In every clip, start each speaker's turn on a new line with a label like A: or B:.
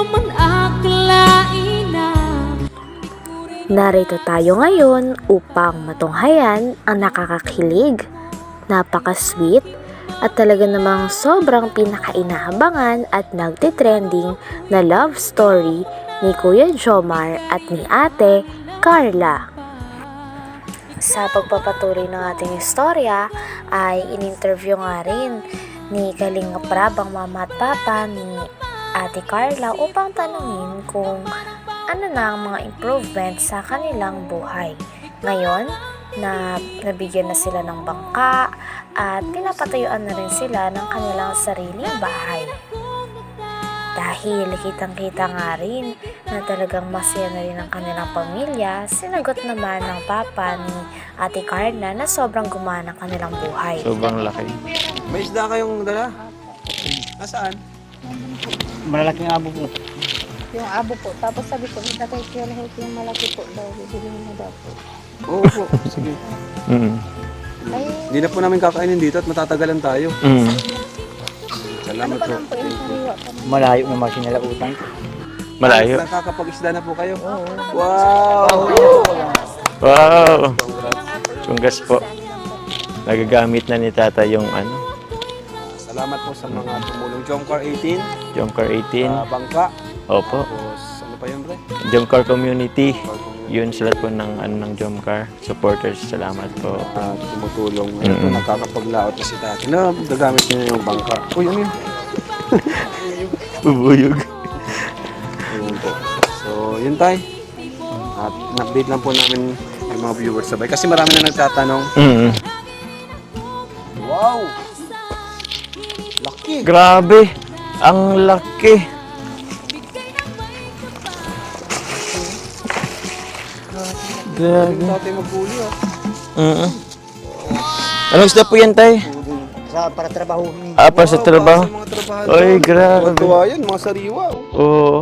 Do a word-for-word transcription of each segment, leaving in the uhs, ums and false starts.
A: man akalain na.
B: Narito tayo ngayon upang matunghayan ang nakakakilig, napaka-sweet, at talaga namang sobrang pinakainahabangan at nagtitrending na love story ni Kuya Jomar at ni Ate Carla. Sa pagpapatuloy ng ating istorya ay in-interview nga rin ni Kalinga Prab ang mama at papa ni Ate Carla upang tanungin kung ano na ang mga improvements sa kanilang buhay. Ngayon, na nabigyan na sila ng bangka at pinapatayuan na rin sila ng kanilang sariling bahay. Dahil kitang-kita nga rin na talagang masaya na rin ang kanilang pamilya, sinagot naman ng papa ni Ate Carla na sobrang gumana ang kanilang buhay.
C: Sobrang laki.
D: May isda kayong dala? Nasaan?
E: Malalaking abo po.
F: Yung abo po. Tapos sabi ko, may tatay kaya lahat yung malaki po daw. Bibili mo daw po.
D: Oo po, sige.
C: Mm.
F: Ay,
D: Hindi na po namin kakainin dito at matatagalan tayo.
C: Mm.
F: ano
D: Salamat
F: pa
D: po.
F: lang po yung sariwa pa naman.
E: Malayo naman sinalautan ko.
C: Malayo.
D: Nakakapag-isda na po kayo? Wow!
C: Wow! Tunggas po. Nagagamit na ni tata yung ano,
D: Salamat po sa mga tumulong. Jomcar eighteen,
C: Jomcar eighteen.
D: uh, Bangka.
C: Opo.
D: Tapos ano pa yun, bre?
C: Jomcar Community. Yun sila po ng, ano, ng Jomcar supporters. Salamat po.
D: Uh, tumutulong. Ayun po,
C: Mm.
D: nakakapaglaot na si tati. Na, gagamit niya yung bangka. Uy, ano yun?
C: Bubuyog.
D: Ayun po. So, yun tayo. At in-update lang po namin yung mga viewers sabay. Kasi marami na nagtatanong.
C: Mm.
D: Wow! Laki!
C: Grabe! Ang laki!
D: Grabe.
C: Grabe.
D: Tatay maghuli ah.
C: Mm. Anong isda po yan, tay?
E: Sa para trabaho.
C: Ah, para sa
D: Wow,
C: trabaho?
D: para sa mga trabaho.
C: Ay, grabe.
D: Tuwa yan, mga sariwa. oh.
C: Oo.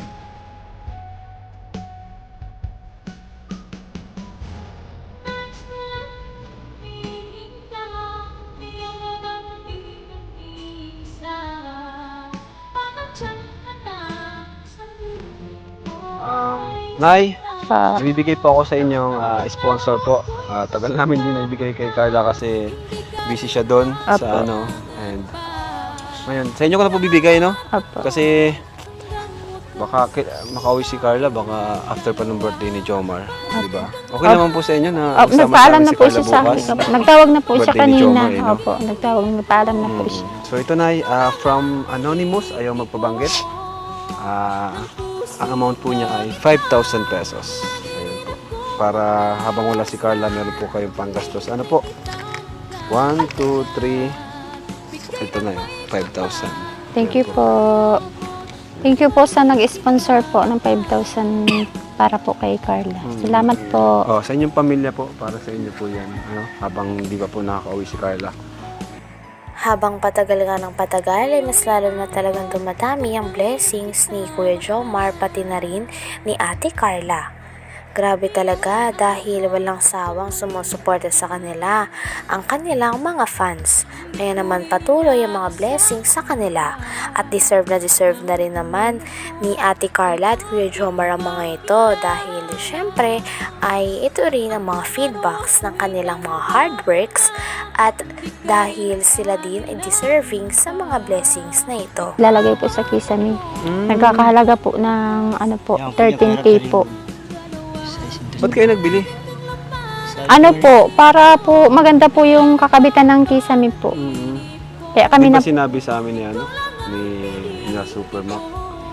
D: Nay,
F: Pa,
D: bibigay po ako sa inyong ah, sponsor po. Ah, tagal namin din naibigay kay Carla kasi busy siya doon
F: Apo.
D: sa ano. And ngayon, sa inyo ko na po bibigay, no?
F: Apo.
D: Kasi baka ki- makauwi si Carla baka after pa ng birthday ni Jomar, di ba? Okay
F: Apo.
D: naman po sa inyo na
F: Oh,
D: isama
F: nagpaalam
D: namin
F: na
D: si
F: po
D: Carla
F: siya sa
D: bukas.
F: akin. Nagtawag na po siya
D: Birthday ni
F: kanina.
D: Jomar, eh, no?
F: Opo, nagtawag, nagpaalam na po
D: Mm.
F: siya.
D: So ito na, ah, from Anonymous, ayaw magpabanggit. Ah, ang amount po niya ay five thousand pesos. Ayun po. Para habang wala si Carla, meron po kayong panggastos. Ano po? one, two, three. Ito na yun, five thousand.
F: Thank you po. Thank you po sa nag-sponsor po ng five thousand para po kay Carla. Salamat po.
D: Oh, sa inyong pamilya po, para sa inyo po yan. Ano? Habang di ba po nakaka-uwi si Carla.
B: Habang patagal nga ng patagal ay mas lalo na talagang dumadami ang blessings ni Kuya Jomar pati na rin ni Ate Carla. Grabe talaga dahil walang sawang sumusuporta sa kanila ang kanilang mga fans. Kaya naman patuloy ang mga blessings sa kanila at deserve na deserve na rin naman ni Ate Carla at Kuya Jomar ang mga ito dahil syempre ay ito rin ang mga feedbacks ng kanilang mga hard works at dahil sila din ay deserving sa mga blessings na ito.
F: Lalagay po sa kisame. Nagkakahalaga po ng ano po,
E: Yan,
F: thirteen K po.
D: Ba't kayo nagbili?
F: Ano po, para po maganda po yung kakabitan ng kisame po.
D: Mm.
F: Kaya
D: Kami
F: kami
D: di
F: na
D: ba sinabi sa amin ni ano? Ni, ni Supermac.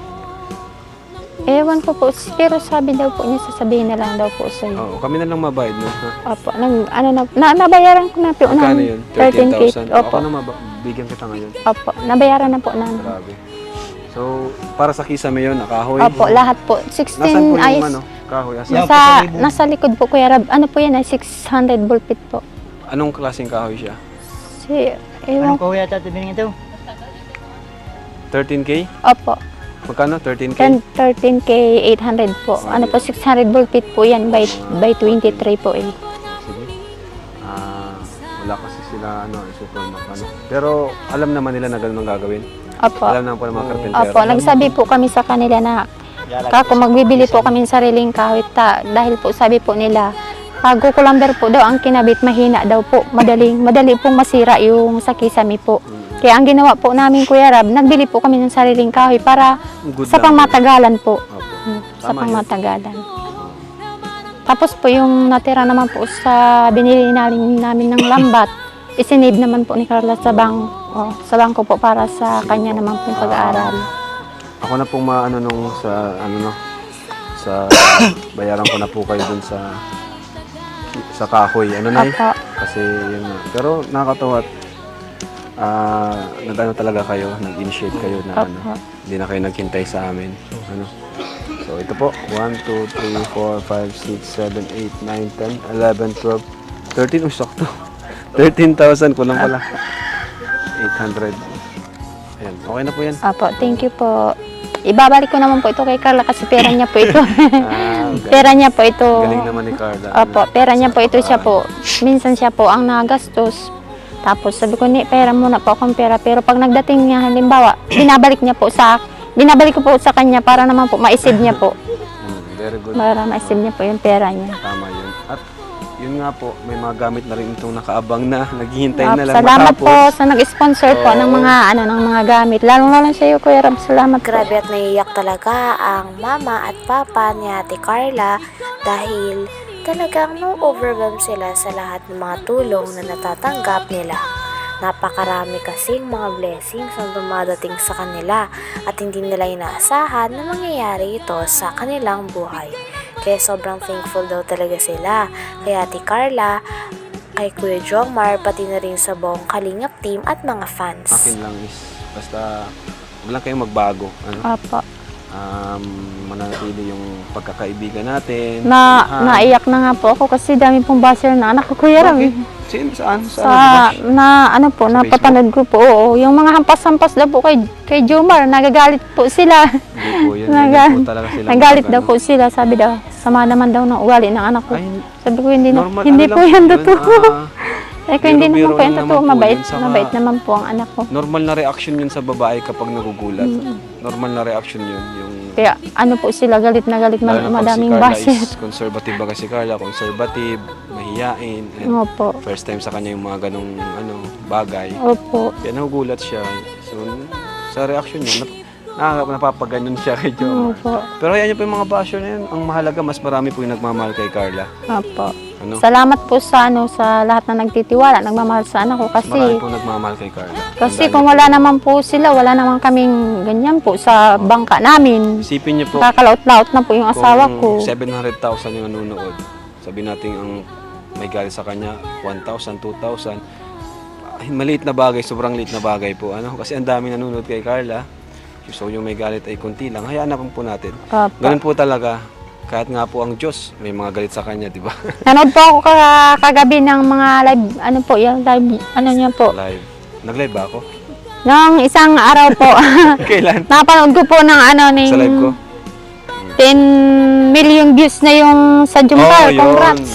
F: ewan ko po, pero sabi daw po niya sasabihin na lang daw po sa iyo.
D: Oo, kami na lang mabayad, no? Ha?
F: Opo, nag, ano na, na, nabayaran ko na po
D: Magkano
F: ng
D: yun?
F: thirteen K.
D: thirteen thousand? Ako
F: Opo,
D: na maba- bigyan kita ngayon.
F: opo, nabayaran na po namin.
D: Grabe. So, para sa kisame yun, nakahoy.
F: Opo, lahat po.
D: Nasaan
F: sixteen
D: po yung
F: ay
D: ano? Kahoy. Asan?
E: Yan.
F: nasa, nasa likod po Kuya Rab. Ano po yan ay six hundred bullpit po.
D: Anong klaseng kahoy siya?
F: Si, ewan
E: Anong kahoy yata tibining ito?
D: thirteen K?
F: Opo,
D: Magkano? thirteen K?
F: ten, thirteen K eight hundred po. Ano po, six hundred bullpit po yan by, by twenty-three po eh.
D: Sige. Ah, wala kasi sila ano, Supermac ano. Pero alam naman nila na ganun ang gagawin.
F: Opo.
D: Alam naman po ng mga karpentero.
F: Opo, nagsabi po kami sa kanila na kako magbibili po kami ng sariling kawit ta, dahil po sabi po nila pag kukulamber po daw ang kinabit mahina daw po, madaling madali pong masira yung sa kisame po. Kaya ang ginawa po namin Kuya Rab, nagbili po kami ng sariling kahoy para
D: Good
F: sa
D: lang.
F: pangmatagalan po.
D: Opo.
F: Hmm, Sa
D: Tama yun.
F: pangmatagalan. Tapos po yung natira naman po sa binili namin, namin ng lambat, isinave naman po ni Carla sa bang oh, sa bangko po para sa kanya naman pong pag-aaral.
D: Ako na pong maano nung sa ano no sa bayaran ko na po kayo dun sa sa kahoy ano na
F: Opo.
D: kasi yun nga. Pero nakakatawa at ah nag-ano talaga kayo, nag-initiate kayo na ano,
F: Opo.
D: hindi na kayo naghintay sa amin. Ano? So ito po, one, two, three, four, five, six, seven, eight, nine, ten, eleven, twelve, thirteen, oh sakto. thirteen thousand ko lang pala. eight hundred. Ayan, okay na po yan.
F: Opo, thank you po. Ibabalik ko naman po ito kay Carla kasi pera niya po ito.
D: Ah, okay.
F: Pera niya po ito.
D: Galing naman ni Carla.
F: Opo, pera niya po ito siya po. Minsan siya po ang nagastos. Tapos sabi ko, ni pera muna po akong pera. Pero pag nagdating niya, halimbawa, binabalik niya po sa, binabalik ko po sa kanya para naman po maisib niya po.
D: Mm, very good.
F: Para maisib niya po yung pera niya.
D: Tama yun. At yun nga po, may mga gamit na rin itong nakaabang na, naghihintay na lang
F: Salamat
D: matapos.
F: po sa nag-sponsor po ng mga ano ng mga gamit. Lalong-lalo sa iyo, Kuya Rab. Salamat po.
B: Grabe at naiiyak talaga ang mama at papa ni Ate Carla dahil talagang no-overwhelm sila sa lahat ng mga tulong na natatanggap nila. Napakarami kasing mga blessings ang dumadating sa kanila at hindi nila inaasahan na mangyayari ito sa kanilang buhay. Kaya sobrang thankful daw talaga sila kay Ate Carla, kay Kuya Jomar, pati na rin sa buong Kalingap team at mga fans.
D: Akin lang is, basta huwag lang kayong magbago. Ano?
F: Opo.
D: Um, manatili yung pagkakaibigan natin.
F: Na,
D: samahan.
F: naiyak na nga po ako kasi dami pong basher na anak ko, Kuya Rab.
D: Bakit? Sino? Saan?
F: Sa,
D: Saan?
F: na, ano po,
D: Sa
F: napapanood ko po. Oo, yung mga hampas-hampas daw po kay, kay Jomar, nagagalit po sila.
D: Hindi po yun.
F: Naga-
D: Hindi po talaga sila.
F: Nagalit
D: mag-
F: daw
D: ano.
F: po sila. Sabi daw, sama naman daw ng ugali ng anak ko.
D: Ay,
F: Sabi ko, hindi, na,
D: normal,
F: hindi
D: ano
F: po
D: lang
F: yan
D: yun,
F: totoo.
D: ah,
F: Sabi ko, hindi
D: biro-biro
F: naman po yan
D: lang
F: totoo.
D: naman po
F: Mabait,
D: yun, saka-
F: mabait naman po ang anak ko.
D: normal na reaction yun sa babae kapag nagugulat. Normal na reaction yun. Yung
F: Kaya ano po sila, galit na galit man,
D: lalo na pag
F: madaming
D: si Carla
F: basher.
D: is conservative ba kasi Carla, conservative, mahiyain, and
F: Opo.
D: first time sa kanya yung mga ganong ano, bagay.
F: Opo.
D: Kaya nagugulat siya. So, sa reaction niya, nap nakaka- napapaganon siya kay Jomar.
F: Opo.
D: Pero hayaan niyo po yung mga basher na yun. Ang mahalaga, mas marami po yung nagmamahal kay Carla.
F: Opo.
D: Ano?
F: Salamat po sa ano sa lahat na nagtitiwala, nagmamahal sa anak ko kasi
D: Marami po nagmamahal kay Carla.
F: kasi
D: Tandaan
F: kung
D: niyo
F: wala
D: po.
F: naman po sila, wala naman kaming ganyan po sa bangka namin.
D: Isipin niyo po,
F: Kakalaot-laot na po yung asawa
D: kung
F: ko.
D: seven hundred thousand yung nanonood, sabi natin ang may galit sa kanya, one thousand, two thousand. Ay, maliit na bagay, sobrang liit na bagay po. Ano? Kasi ang dami nanonood kay Carla. So yung may galit ay konti lang. Hayaan na po natin.
F: Opo.
D: Ganun po talaga. Kahit nga po ang Diyos, may mga galit sa kanya, di ba?
F: Nanood po ako ka- kagabi ng mga live, ano po, yung live, ano niya po.
D: Live. Nag-live ba ako?
F: Nung isang araw po,
D: Kailan?
F: napanood ko po ng ano, ng
D: Sa live ko?
F: ten million views na yung sa Jumcar.
D: yun.
F: Congrats.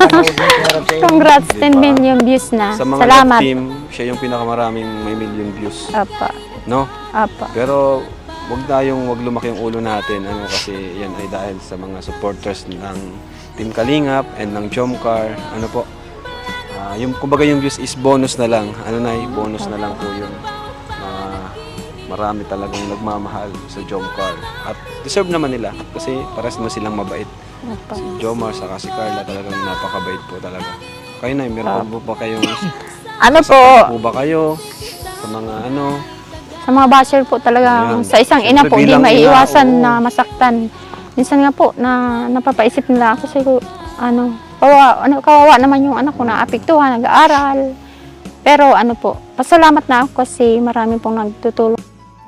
F: Congrats,
D: Diba?
F: ten million views na.
D: Sa mga
F: Salamat.
D: love team, siya yung pinakamaraming may million views.
F: Apa,
D: No?
F: apa.
D: Pero wag tayong wag lumaki yung ulo natin ano kasi yan ay dahil sa mga supporters ng Team Kalingap and ng Jomcar. Ano po? Ah, yung kumbaga yung views is bonus na lang. Ano na, bonus na lang po yun. Ah, marami talagang nagmamahal sa Jomcar. At deserve naman nila kasi pares naman silang mabait.
F: Apa.
D: Si Jomar saka si Carla talagang napakabait po talaga. Kayo na, meron po ba kayong
F: Ano po,
D: po ba kayo sa mga ano?
F: sa mga basher po talaga,
D: Ayan.
F: sa isang ina po,
D: Siyempre,
F: hindi
D: bilang
F: maiiwasan
D: ina, oo.
F: na masaktan. Minsan nga po, na napapaisip nila ako siguro, ano, kawawa, ano, kawawa naman yung anak ko na apektuhan, nag-aaral. Pero ano po, pasalamat na ako kasi marami pong nagtutulong.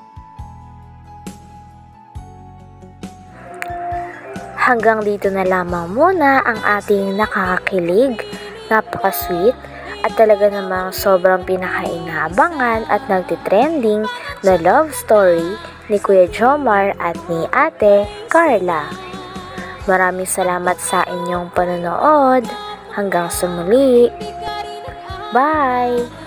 B: Hanggang dito na lamang muna ang ating nakakakilig, napaka-sweet, at talaga namang sobrang pinakainabangan at nagtitrending na love story ni Kuya Jomar at ni Ate Carla. Maraming salamat sa inyong panonood. Hanggang sa muli. Bye!